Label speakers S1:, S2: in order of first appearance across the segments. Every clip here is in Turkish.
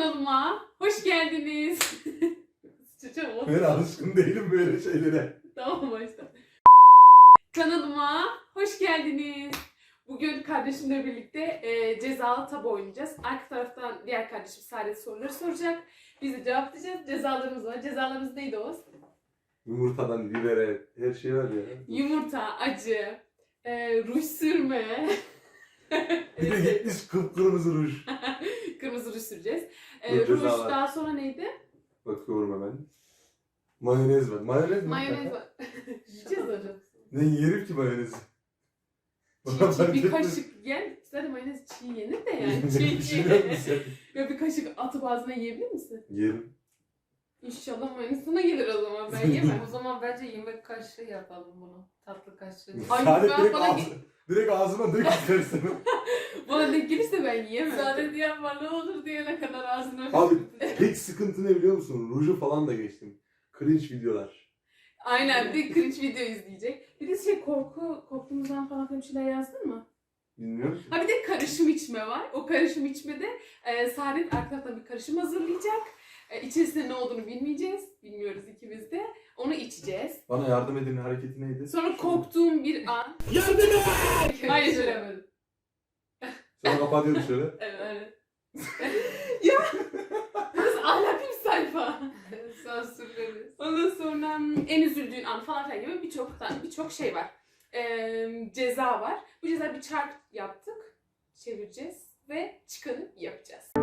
S1: Kanalıma hoş geldiniz.
S2: Ben alışkın değilim böyle şeylere.
S1: Tamam başla. Kanalıma hoş geldiniz. Bugün kardeşimle birlikte cezalı tabu oynayacağız. Arka taraftan diğer kardeşim Saadet soruları soracak. Biz de cevaplayacağız. Cezalarımız var. Cezalarımız neydi Oğuz?
S2: Yumurtadan bibere her şey var ya.
S1: Yumurta, acı, ruj sürme.
S2: Bir de gitmiş kıpkırmızı ruj.
S1: Kırmızı ruj süreceğiz.
S2: Dur,
S1: Ruj
S2: ceza var.
S1: daha sonra neydi?
S2: Bakıyorum hemen. Mayonez var. Mayonez mi?
S1: Mayonez var. Yiyeceğiz hocam.
S2: Ne yerim ki mayonezi?
S1: Çiğ bir kaşık yer. Zaten mayonez çiğ yenir de yani.
S2: Bir şey yok mu sen?
S1: Ya bir kaşık atıp ağzına yiyebilir misin?
S2: Yerim.
S1: İnşallah mayonez sana gelir o zaman. Ben yemem.
S3: O zaman bence yemek kaşığı yapalım bunu. Tatlı kaşığı.
S1: Ay,
S2: Saadet
S1: ben
S2: direkt,
S1: bana-
S2: direkt ağzıma dök istersen.
S1: Bana denk gelirse ben yiyemem.
S3: Saadet yapma ne olur diyene kadar ağzını
S2: Abi tek sıkıntı ne biliyor musun? Ruju falan da geçtim. Cringe videolar.
S1: Aynen, bir de cringe video izleyecek. Bir de korktuğumuzdan falan bir şeyler yazdın mı?
S2: Bilmiyorum ki.
S1: Ha bir de karışım içme var. O karışım içmede Saadet arkadan bir karışım hazırlayacak. İçerisinde ne olduğunu bilmeyeceğiz. Bilmiyoruz ikimiz de. Onu içeceğiz.
S2: Bana yardım edin hareketi neydi?
S1: Sonra korktuğum bir an.
S2: Yardım et!
S1: Hayır söylemedim.
S2: Sonra kapatıyoruz şöyle.
S1: Evet. Ya! Burası ahlaklı bir sayfa.
S3: Sansürleriz.
S1: Ondan sonra en üzüldüğün an falan filan gibi birçok şey var. Ceza var. Bu ceza bir çark yaptık. Çevireceğiz ve çıkanı yapacağız.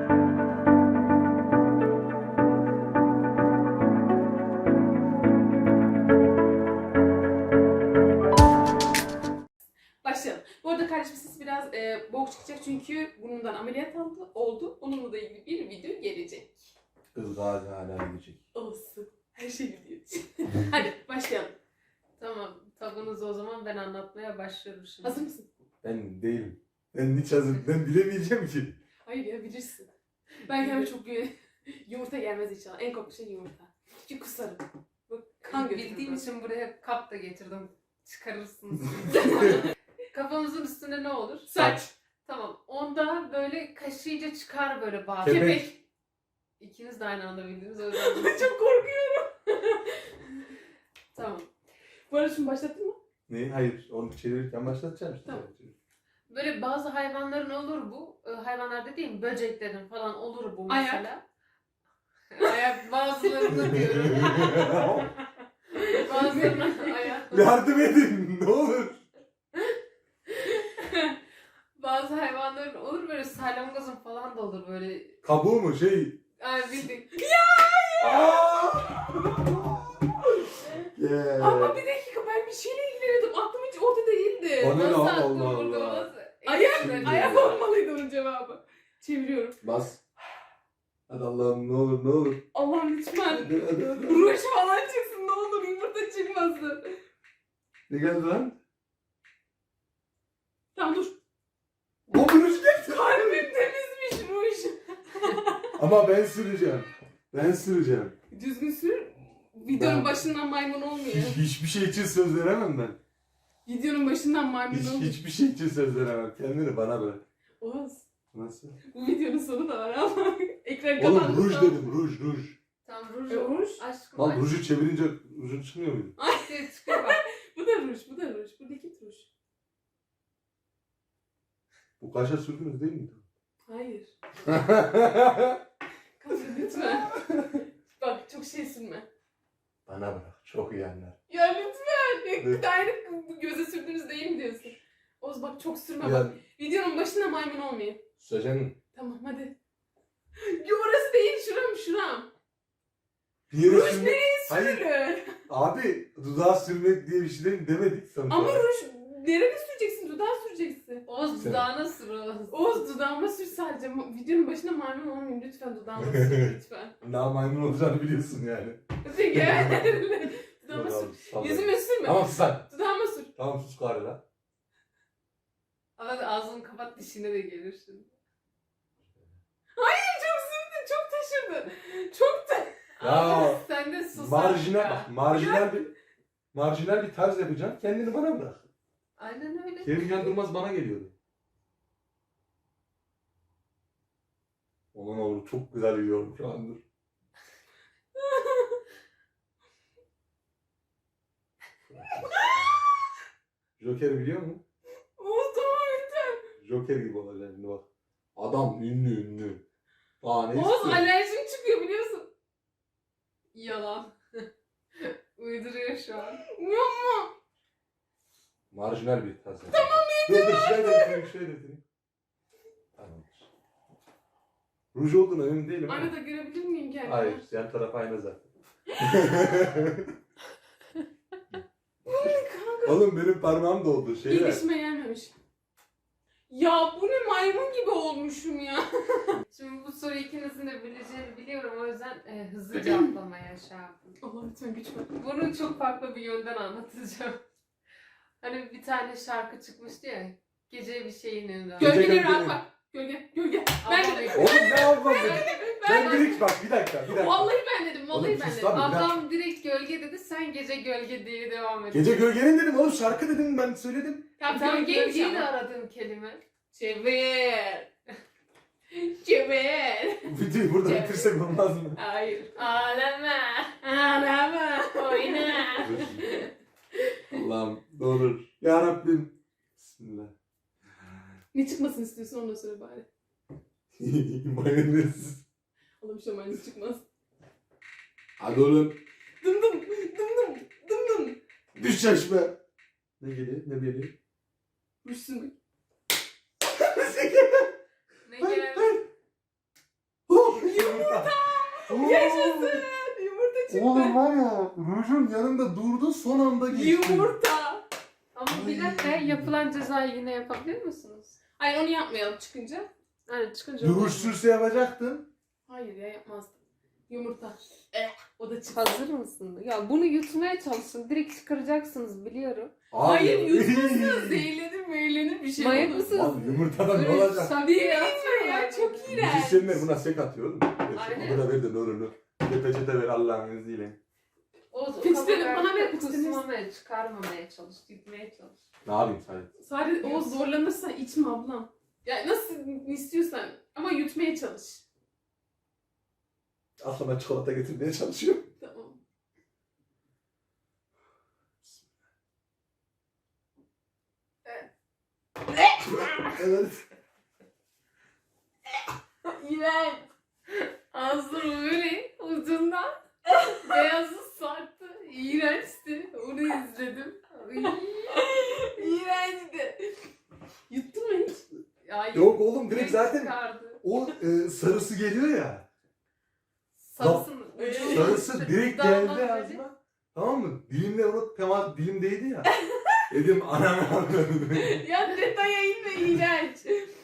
S1: Başlayalım. Bu arada kardeşim siz biraz boğuk çıkacak çünkü burnundan ameliyat oldu. Onunla da ilgili bir video gelecek.
S2: Kız gazi hala gidecek.
S1: Olsun. Her şey video için. Hadi başlayalım.
S3: Tamam. Tabunuzu o zaman ben anlatmaya başlıyorum şimdi.
S1: Hazır mısın?
S2: Ben değilim. Ben hiç hazır. Ben bilemeyeceğim ki.
S1: Hayır ya bilirsin. Ben kendime çok yumurta gelmez inşallah. En korktuğum şey yumurta. Çünkü kusarım. Bu kan götürür.
S3: Bildiğim için buraya kap da getirdim. Çıkarırsınız. Kafamızın üstünde ne olur?
S1: Saç.
S3: Tamam. Onda böyle kaşıyla çıkar böyle bazı.
S2: Kepek.
S1: Kepek.
S3: İkiniz de aynı anda bildiniz. O yüzden
S1: Çok korkuyorum.
S3: Tamam.
S1: Bu arada şunu başlattın mı?
S2: Ne? Hayır. Onu çevirirken başlatacağım işte.
S1: Tamam.
S3: Böyle bazı hayvanların olur bu. Hayvanlar dediğim böceklerin falan olur bu
S1: Ayak.
S3: mesela. Ayak bazılarında diyorum. Bazılarına ayak.
S2: Yardım edin. Ne olur.
S3: Bazı hayvanların olur böyle salyangozun falan da olur böyle.
S2: Kabuğu mu? Şey.
S3: Ay bildik.
S2: Yeah.
S1: Ama bir dakika ben bir şeyle ilgileniyordum. Aklım hiç orada değildi.
S2: Bana ne
S3: Nasıl
S2: Allah
S3: aklım
S2: Allah.
S3: burada, nasıl?
S1: Ayak,
S2: Şimdi-
S1: ayak olmalıydı onun cevabı. Çeviriyorum.
S2: Bas. Hadi Allah'ım ne olur ne olur.
S1: Allah'ım lütfen.
S2: Hadi, hadi, hadi.
S1: Ruj falan çıksın ne olur yumurta çıkmasın.
S2: Ne geldi lan?
S1: Tamam dur.
S2: O duruş geldi.
S1: Kalbim temizmiş ruj.
S2: Ama ben süreceğim. Ben süreceğim.
S1: Düzgün sür. Videonun
S2: Ben-
S1: başından maymun olmuyor.
S2: Hiçbir şey için söz veremem ben.
S1: Videonun başından maymun olmuyor.
S2: Hiçbir şey için söz veremem. Kendini bana bırak.
S1: Oğuz.
S2: Nasıl?
S1: Bu videonun sonu da var ama ekran
S2: Oğlum
S1: kapandı.
S2: ruj dedim ruj ruj.
S3: Tam ruj.
S1: Ruj.
S3: Aşkım
S2: Lan
S3: aşk.
S2: ruju çevirince rujun çıkmıyor muydu?
S3: Şey çıkıyor bak.
S1: Bu da ruj, bu da ruj. Bu likit ruj.
S2: Bu kaşa sürdünüz değil miydi?
S1: Hayır. Kanka lütfen. Bak çok şey sürme.
S2: Bana bırak. Çok iyi anlar.
S1: Ya lütfen.
S2: Evet.
S1: Daire göze sürdüğünüz değil mi diyorsun? Oğuz bak çok sürme bak.
S2: Ya
S1: Videonun başında maymun olmayayım.
S2: Sözen
S1: Tamam hadi. Ya orası değil şuram.
S2: bir yere
S1: Ruj
S2: sürmek... Hayır.
S1: Sürülür.
S2: Abi dudağa sürmek diye bir şey değil demedik sonuçta.
S1: Ama ruj nereye süreceksin? Dudağa süreceksin.
S3: Oğuz dudağına sür Oğuz.
S1: Oğuz dudağıma sür sadece. Videonun başında maymun olmayayım lütfen dudağıma sür lütfen.
S2: Daha maymun olacağını biliyorsun yani.
S1: Peki. Dudağıma
S2: Yok
S1: sür.
S2: abi,
S1: Yüzüme sürme.
S2: Tamam sus lan.
S1: Dudağıma sür.
S2: Tamam sus gari lan.
S3: Ama ağzını kapat dişine de gelir şimdi.
S1: Çok sürdün, çok taşırdın. Çok da...
S2: Ya,
S3: Ama sen de sus
S2: Marjinal,
S3: artık
S2: bak
S3: ya.
S2: marjinal bir tarz yapacaksın. Kendini bana bırak.
S3: Aynen öyle.
S2: Kerem Can Durmaz bana geliyordu. Onun olur çok güzel biliyorum şu an dur. Joker biliyor musun?
S1: Oğuz tamam yeter.
S2: Joker gibi olacak şimdi bak. Adam ünlü. Daha ne
S1: Oğuz
S2: istiyor?
S1: alerjim çıkıyor biliyorsun.
S3: Yalan. Uyduruyor şu an.
S1: Yapma.
S2: Marjinal bir tane. Tamam dur şöyle getireyim. Tamamdır. Ruj olduğuna emin değilim ama.
S1: Aynada görebilir miyim kendimi?
S2: Hayır, yan taraf ayna zaten. Oğlum benim parmağım doldu
S1: İyi
S2: şeyler.
S1: dişime gelmemiş. Ya bu ne maymun gibi olmuşum ya.
S3: Şimdi bu soruyu ikinizin de bileceğini biliyorum. O yüzden hızlı cevaplamaya şey yaptım.
S1: Allah lütfen güç ver.
S3: Bunu çok farklı bir yönden anlatacağım. Hani bir tane şarkı çıkmıştı ya. Gece bir şeyin önünde.
S1: Gölgeleri rahat bak. Gölge. Ben dedim.
S2: Oğlum ne yapmam
S1: Ben
S2: dedim.
S1: dedim.
S2: Ben direkt bak bir dakika.
S1: Vallahi ben dedim.
S2: Oğlum,
S1: Vallahi ben
S2: sus
S1: dedim.
S2: lan.
S3: Adam direkt gölge dedi. Sen gece gölge diye devam et.
S2: Gece gölgenin dedim oğlum şarkı dedim ben söyledim.
S1: Tamam
S3: Tam
S1: gölgeymiş
S3: gölgeyi de
S1: ama.
S3: aradığım kelime.
S1: Çevir. Çevir.
S2: Videoyu burada
S1: Evet.
S2: bitirsek olmaz mı?
S1: Hayır. Ağlama. Oyna.
S2: Allah'ım ne olur. Ya Rabbim. Bismillah.
S1: Ne çıkmasını istiyorsun onu da söyle bari.
S2: Mayonez.
S1: Oğlum şu mayonez çıkmaz.
S2: Hadi oğlum.
S1: Dım dım. Dım dım. Dım dım.
S2: Düş yaşma. Ne geliyor? Ne geliyor?
S1: Rüşsün.
S3: Ne geldi?
S2: Yumurta.
S1: Yaşasın. Yumurta çıktı.
S2: Oğlum var ya rujun yanında durdu son anda geçti.
S1: Yumurta.
S3: Ama bir dakika yapılan cezayı yine yapabilir misiniz?
S1: Hayır onu yapmayalım çıkınca.
S3: Yani çıkınca
S2: Ruj sürse yapacaktın.
S1: Hayır ya yapmazdım. Yumurta. O da çıktı.
S3: Hazır mısın? Ya bunu yutmaya çalışın. Direkt çıkaracaksınız biliyorum.
S1: Hayır yutmazsınız. Zehirlenir bir şey
S3: Manyak
S1: olur.
S3: mısınız?
S2: Lan yumurtadan ne
S3: Böyle
S2: olacak?
S3: sabiye
S1: Ya
S3: atıyorlar.
S1: çok iğrenç.
S2: Müzisyenler buna sek atıyor oğlum.
S3: Aynen.
S2: Onu da ver de ne olur ne. Bir de peçete ver Allah'ın izniyle.
S3: O
S1: Peçeteni bana ver, peçeteni.
S3: kusmamaya, çıkarmamaya çalış, gitmeye çalış.
S2: Ne yapayım sadece?
S1: Sadece o zorlanırsa içme ablam. Ya nasıl istiyorsan ama yutmaya çalış.
S2: Aklıma çikolata getirmeye çalışıyorum.
S1: Tamam.
S2: Evet.
S1: İğrenç. Ağzım böyle ucundan beyazı sarktı. İğrençti. Onu izledim. İğrençti. Yuttun mu hiç?
S3: Ya,
S2: Yok oğlum direkt zaten
S3: çıkardı.
S2: o sarısı geliyor ya.
S3: Sarısın.
S2: Sarısı direkt
S3: Damladı
S2: geldi
S3: dedi.
S2: ağzıma. Tamam mı? Dilimle onu temas dilimdeydi ya. Dedim anam.
S1: Ya detaya inme iğrenç.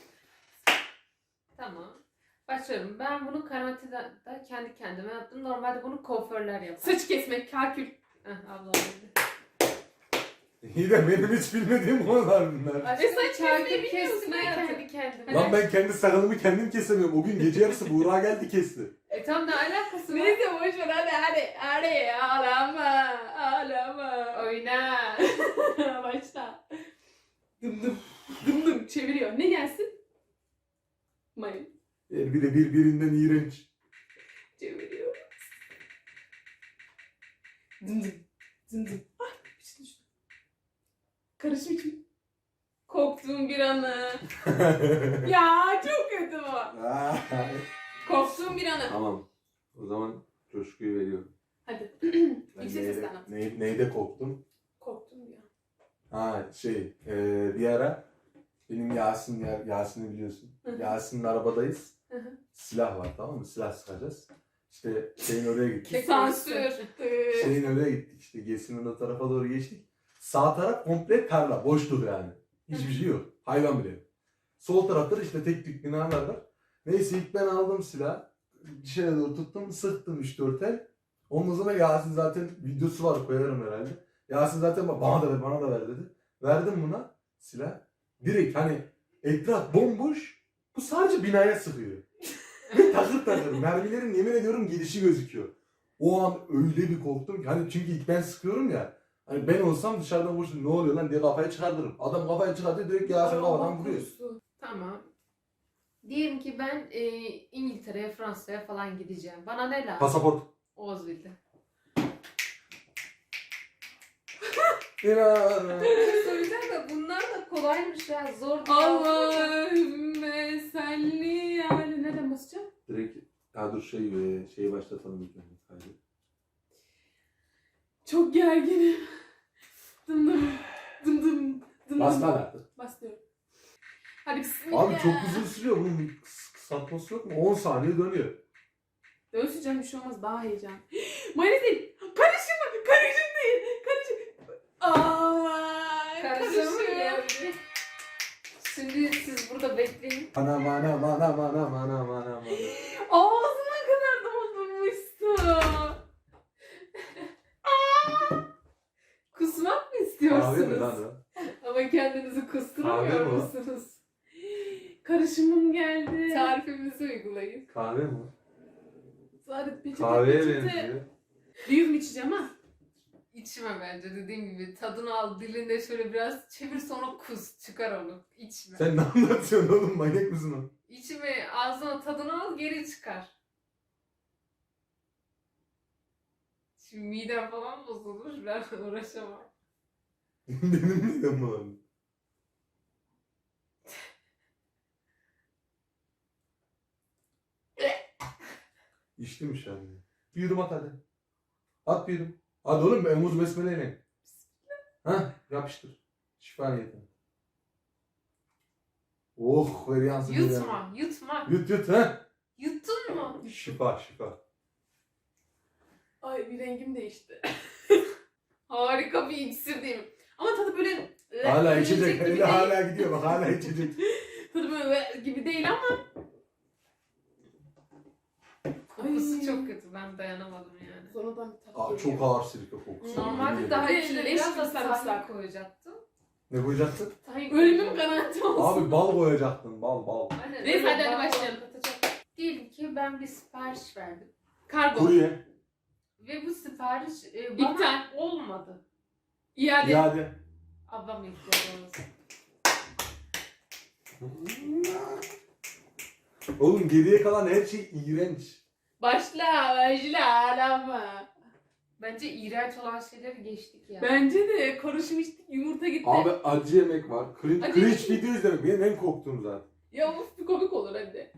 S3: Tamam. Başlıyorum. Ben bunu karantinada kendi kendime yaptım. Normalde bunu kuaförler yapar.
S1: Saç kesmek, kakül.
S3: Ablam dedi.
S2: İyi de benim hiç bilmediğim konular bunlar.
S3: Aşkım
S1: saç kesmeyi
S3: kakül
S1: biliyorsun
S3: kesme
S1: hayatım.
S3: kendi kendime.
S2: Lan ben kendi sakalımı kendim kesemiyorum. O gün gece yarısı Buğra geldi kesti.
S3: Tam ne alakası var?
S1: Neyse boş ver hadi ağlama.
S3: Oyna.
S1: Başla. Dım çeviriyor. Ne gelsin? Mayın.
S2: Yani bir de birbirinden iğrenç.
S1: Çeviriyor. Dım. Ay içine düştü. Karışım içme. Korktuğum bir anı. Ya çok kötü bu. Korktuğum bir anı.
S2: Tamam. O zaman coşkuyu veriyorum.
S1: Hadi.
S2: Ben
S1: Yüksek sesle anlat.
S2: neyde korktum?
S1: Korktuğum bir an.
S2: Ha bir ara benim Yasin'i biliyorsun.
S1: Hı hı.
S2: Yasin'in arabadayız.
S1: Hı hı.
S2: Silah var tamam mı? Silah sıkacağız. İşte şeyin oraya gittik.
S1: Sansür.
S2: Şeyin oraya gittik işte. Gesi'nin o tarafa doğru geçtik. Sağ taraf komple tarla. Boşluk yani. Hiçbir şey yok. Hayvan bile yok. Sol tarafta da işte tek tük binalar var. Neyse ilk ben aldım silah. Dışarı doğru tuttum. Sıktım 3-4 el. Ondan sonra Yasin zaten videosu var koyarım herhalde. Yasin zaten bana da ver dedi. Verdim buna silah. Direkt hani etraf bomboş. Bu sadece binaya sıkıyor. Ve takır. Mermilerin yemin ediyorum gelişi gözüküyor. O an öyle bir korktum ki. Hani çünkü ilk ben sıkıyorum ya. Hani ben olsam dışarıdan vursun ne oluyor lan diye kafayı çıkardırırım. Adam kafayı çıkartıyor direkt Yasin kafadan vuruyor.
S1: Tamam.
S3: Diyelim ki ben İngiltere'ye, Fransa'ya falan gideceğim. Bana ne lazım?
S2: Pasaport.
S3: Oğuz bildi. Söyleyeceğim de bunlar da kolaymış ya. Zor değil.
S1: Allahümme salli ali. Nereden basacağım?
S2: Direkt ya dur şeyi başlatalım ilk önce kaydı.
S1: Çok gerginim. Dım dım. Dım dım. Dım
S2: Bas
S1: dım.
S2: lan artık.
S1: Bas diyorum. Hadi bismillah.
S2: Abi çok uzun sürüyor, bunun bir kısaltması yok mu? 10 saniye dönüyor.
S1: Dönsün canım, bir şey olmaz, daha heyecan. Mayonez değil. Karışım mı? Karışım değil. Karışım. Aa,
S3: Karışım ya.
S1: karışım.
S3: Şimdi siz burada bekleyin.
S2: Mana.
S1: Ağzıma kadar doldurmuştu.
S3: Kusmak mı
S2: Kahve mi
S3: istiyorsunuz?
S2: lan o?
S3: Ama kendinizi
S2: Kahve
S3: kusturamıyor
S2: mi o?
S3: musunuz?
S1: Karışımım geldi.
S3: Tarifimizi uygulayın.
S2: Kahve mi?
S1: Sadece peçete,
S2: Kahveye
S1: peçete.
S2: benziyor.
S1: Büyük mü içeceğim ha?
S3: İçme bence, dediğim gibi. Tadını al, dilinde şöyle biraz çevir, sonra kus. Çıkar onu. İçme.
S2: Sen ne anlatıyorsun oğlum, manyak mısın o?
S3: İçme, ağzına tadını al, geri çıkar. Şimdi midem falan bozulur. Ben uğraşamam.
S2: Benim midem bulandı. İçtim şu an. Bir yudum at hadi. At bir yudum. Hadi oğlum, emuz besmeleyle. Hah, yapıştır. Şifa niyetine. Oh, ver yansın.
S3: Yutma, yutma.
S2: Yut ha.
S3: Yuttun mu?
S2: Şifa.
S1: Ay, bir rengim değişti. Harika bir iksir değil mi? Ama tadı böyle...
S2: Hala
S1: yiyecek
S2: içecek.
S1: gibi
S2: Eli
S1: değil.
S2: hala gidiyor bak, hala içecek.
S1: Tadı böyle gibi değil ama...
S3: Kokusu
S1: Ay.
S3: çok kötü. Ben dayanamadım yani.
S1: Sonradan bir tat
S2: Aa,
S1: geliyor.
S2: çok ağır sirke kokusu.
S3: Normalde
S2: Yemin
S3: daha
S2: ederim.
S3: içine
S1: Leş
S3: biraz
S1: gibi
S3: da
S1: sarımsak.
S3: tahin koyacaktım.
S2: Ne koyacaksın?
S3: Tahin
S1: Ölümüm garanti olsun.
S2: Abi bal koyacaktın, bal.
S3: Aynen,
S1: Neyse,
S3: öyle
S1: hadi
S3: bal
S1: başlayalım.
S3: katacak. Diyelim ki ben bir sipariş verdim.
S1: Kargo.
S2: Kurye.
S3: Ve bu sipariş bana
S1: İptal.
S3: olmadı.
S1: İade.
S2: İade.
S3: Ablam ihtiyacımız.
S2: Oğlum geriye kalan her şey iğrenç.
S1: Başla alama.
S3: Bence iğrenç olan şeyleri geçtik ya.
S1: Bence de karışım içtik, yumurta gitti.
S2: Abi acı yemek var.
S1: Acı
S2: Cringe
S1: yemek-
S2: video izlemek benim en korktuğum zaten.
S1: Ya uf, bir komik olur hadi.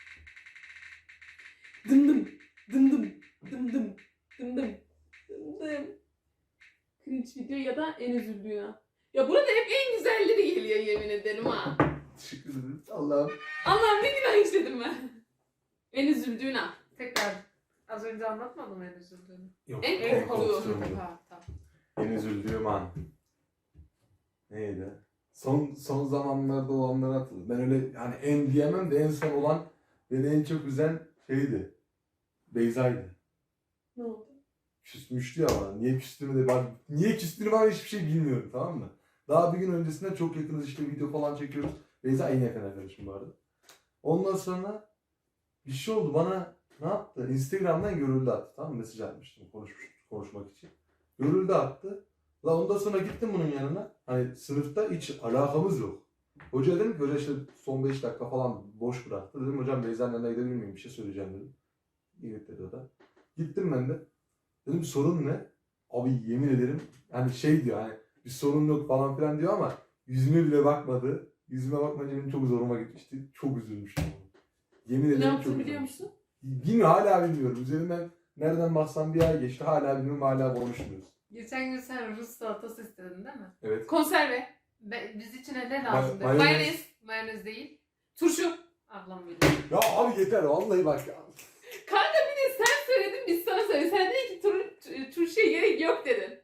S1: Dım dım. Dım dım. Dım dım. Dım dım. Dım dım. Cringe video ya da en üzüldüğü an. Ya burada hep en güzelleri geliyor, yemin ederim ha.
S2: Teşekkür ederim. Allah'ım.
S1: Allah'ım, ne günah işledim ben. En üzüldüğün an.
S3: Tekrar az önce anlatmadım en üzüldüğünü.
S2: Yok,
S1: En korktuğum.
S3: Ha, tamam.
S2: En üzüldüğüm an. Neydi? Son zamanlarda olanları hatırladım. Ben öyle yani en diyemem de en son olan beni en çok üzen şeydi. Beyza'ydı.
S1: Ne oldu?
S2: Küsmüştü ya bana. Niye küstüğümü de niye küstüğünü ben hiçbir şey bilmiyorum, tamam mı? Daha bir gün öncesinden çok yakınız, işte video falan çekiyoruz. Beyza en yakın arkadaşım bu arada. Ondan sonra bir şey oldu, bana ne yaptı? Instagram'dan görüldü attı, tamam mı? Mesaj atmıştım konuşmak için. Görüldü attı. La ondan sonra gittim bunun yanına. Hani sınıfta hiç alakamız yok. Hoca dedim ki, hoca işte son 5 dakika falan boş bıraktı. Dedim hocam Beyza'nın yanına gidebilir miyim? Bir şey söyleyeceğim dedim. Evet dedi o da. Gittim ben de. Dedim sorun ne? Abi yemin ederim yani şey diyor, hani bir sorun yok falan filan diyor ama yüzüme bile bakmadı. Yüzüme bakmayınca benim çok zoruma gitmişti. Çok üzülmüştüm. Yemin
S1: Ne
S2: ederim çok
S1: yaptın biliyor
S2: üzülmüştüm.
S1: musun?
S2: Bilmiyorum, hala bilmiyorum. Üzerinden nereden baksam bir ay geçti. Hala bilmiyorum, hala konuşmuyoruz.
S3: Geçen gün sen Rus salatası istedin değil mi?
S2: Evet.
S1: Konserve.
S3: Biz içine ne lazım dedin?
S1: Mayonez.
S3: Mayonez değil.
S1: Turşu.
S3: Ablam biliyor.
S2: Ya abi yeter vallahi bak ya.
S1: Kanka bir de sen söyledin, biz sana söyledik. Sen dedin ki turşuya gerek yok dedin.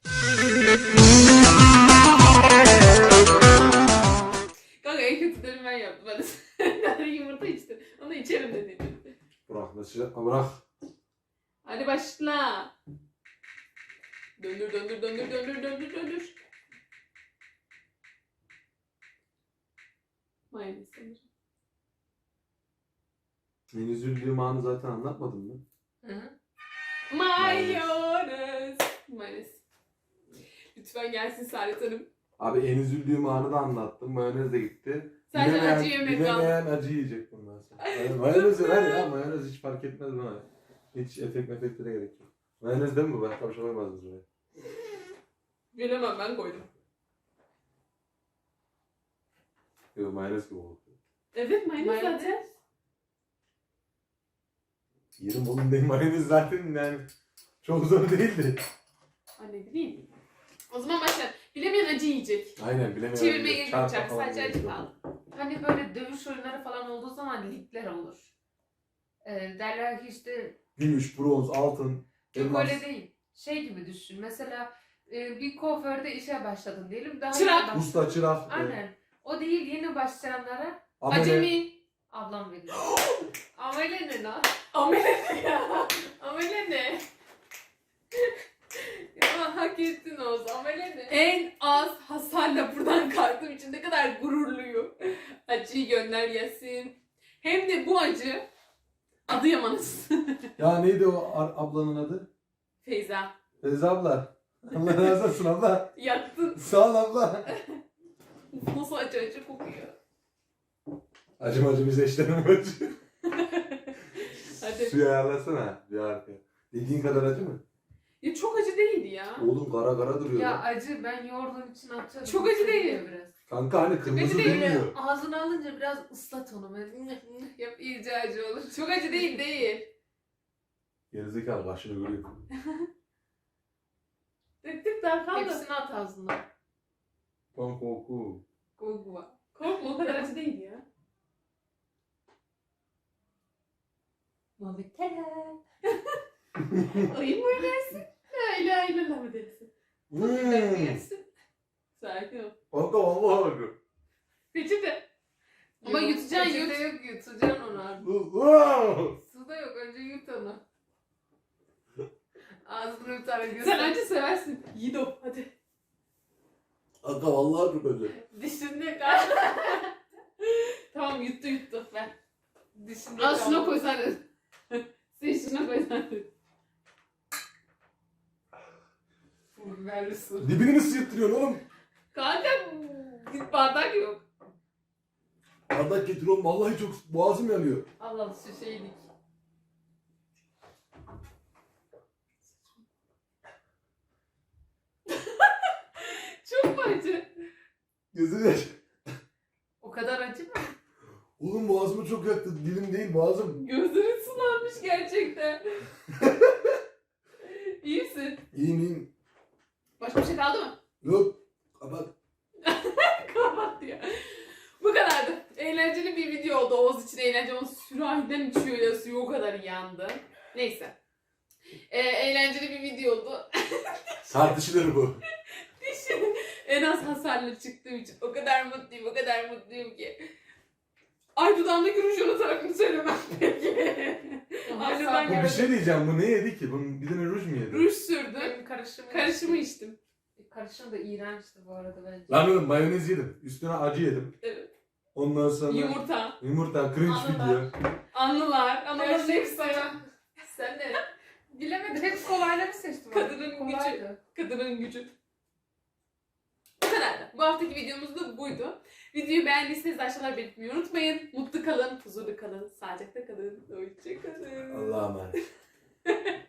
S1: Kanka en kötüleri ben yaptım. Ben yumurta içtim. Onu içerim dedim.
S2: Bırak mesajı. Bırak.
S1: Hadi başla. Döndür. Mayonez sanırım.
S2: En üzüldüğüm anı zaten anlatmadım mı?
S3: Hı hı.
S1: Mayonez. Lütfen gelsin Saadet Hanım.
S2: Abi en üzüldüğüm anı da anlattım. Mayonez de gitti.
S1: Sadece acı yemek kaldı.
S2: Bilemeyen acı yiyecek bundan sonra. Mayonez ver ya. Mayonez hiç fark etmez bana. Hiç efekte de gerek yok. Mayonez değil mi bu? Başka bir şey koymadınız buraya.
S1: Bilemem, ben koydum.
S2: Yok mayonez gibi oldu.
S1: Evet, mayonez zaten.
S2: Yerim oğlum benim mayonez zaten yani çok zor değildi.
S1: Anne bileyim. O zaman başlayalım. Bilemeyen acı yiyecek.
S2: Aynen bilemeyen.
S1: Çevirmeye gerek
S2: Çarpma
S1: yok.
S2: falan
S1: Sadece
S2: gerek
S1: acı
S2: yok.
S1: kaldı.
S3: Hani böyle dövüş oyunları falan olduğu zaman ligler olur. Derler ki işte
S2: Gümüş, bronz, altın,
S3: yok
S2: elmas.
S3: öyle değil. Şey gibi düşün. Mesela bir kuaförde işe başladın diyelim. Daha
S1: Çırak.
S3: yeni
S2: Usta, çırak.
S3: Aynen. O değil yeni başlayanlara
S2: amele.
S1: Acemi.
S3: ablam veriyor. Amele ne lan?
S1: Amele ne ya?
S3: Amele ne? Ya hak ettin Oğuz. Amele ne?
S1: En az hasarla buradan kalktığım için ne kadar gururluyum. Acıyı gönder yesin. Hem de bu acı Adıyaman'ız.
S2: Ya neydi o ablanın adı?
S1: Feyza.
S2: Feyza abla. Allah razı olsun abla.
S1: Yaktın.
S2: Sağ ol abla.
S1: Nasıl acı kokuyor.
S2: Acımacı bize işlerim acı.
S1: Hadi.
S2: Suyu ayarlasana bir arkaya. Dediğin kadar acı mı?
S1: Ya çok acı değildi ya.
S2: Oğlum kara kara duruyor
S3: Ya
S2: lan.
S3: acı ben yoğurdum için atıyorum.
S1: Çok acı değil.
S3: Biraz.
S2: Kanka hani kırmızı
S1: değil mi?
S2: durmuyor.
S3: Ağzına alınca biraz ıslat onu. Böyle yap iyice acı olur.
S1: Çok acı değil.
S2: Gerizekalı başını görüyor.
S1: Döktük daha kaldı.
S3: Hepsini at ağzına.
S2: Koku.
S1: Korkma. Korkma, o kadar acı değil ya. Muhabbetler. Ayı mı ödersin? La ilahe mı dersin? Yersin. Sakin ol.
S2: Kanka vallahi acı.
S1: Peçete. Ama yutacaksın, yut.
S3: Peçete yok yutacaksın onu abi. Suda yok önce yut onu. Ağzını yutarak
S1: Sen
S3: göster.
S1: acı seversin. Yiğido hadi.
S2: Kanka vallahi çok acı.
S3: Dişinde kaldı.
S1: Tamam yuttu. Ver.
S3: Dişinde
S1: Al
S3: kaldı.
S1: şuna koy sen de. Sen şuna koy sen de.
S3: Biberli su.
S2: Dibini mi sıyırttırıyorsun oğlum?
S1: Kanka git bardak yok.
S2: Bardak getir oğlum vallahi çok boğazım yanıyor.
S3: Allah şu şeylik.
S1: Çok mu acı?
S2: Gözüm yaş.
S3: O kadar acı mı?
S2: Oğlum boğazımı çok yaktı. Dilim değil boğazım.
S1: Gözlerin sulanmış gerçekten. İyi misin?
S2: İyiyim.
S1: Başka bir şey kaldı mı?
S2: Yok. Kapat.
S1: Kapat ya. Bu kadardı. Eğlenceli bir video oldu. Oğuz için eğlence ama sürahiden içiyor ya, suyu o kadar yandı. Neyse. Eğlenceli bir video oldu.
S2: Tartışılır bu.
S1: Dişim en az hasarlı çıktığım için o kadar mutluyum ki. Ay dudağımdaki ruj unutarak mı söylemem peki? Ay
S3: Sağ-
S1: dudağım
S2: Bu bir
S1: geldi.
S2: şey diyeceğim. Bu ne yedi ki? Bunun bir tane ruj mu yedi?
S1: Ruj sürdüm.
S3: Benim karışımı
S1: Karışımı içtim.
S3: Karışım da iğrençti bu arada bence.
S2: Lan oğlum mayonez yedim. Üstüne acı yedim.
S1: Evet.
S2: Ondan sonra
S1: Yumurta.
S2: cringe
S1: Anılar.
S2: video.
S1: Anıların hepsi
S3: Sen de bilemedin. Hep kolayları seçtim.
S1: Kadının
S3: Kolaydı.
S1: kadının gücü. Bu kadardı. Bu haftaki videomuz da buydu. Videoyu beğendiyseniz aşağılara belirtmeyi unutmayın. Mutlu kalın, huzurlu kalın, sağlıcakla kalın, hoşça kalın.
S2: Allah'a emanet.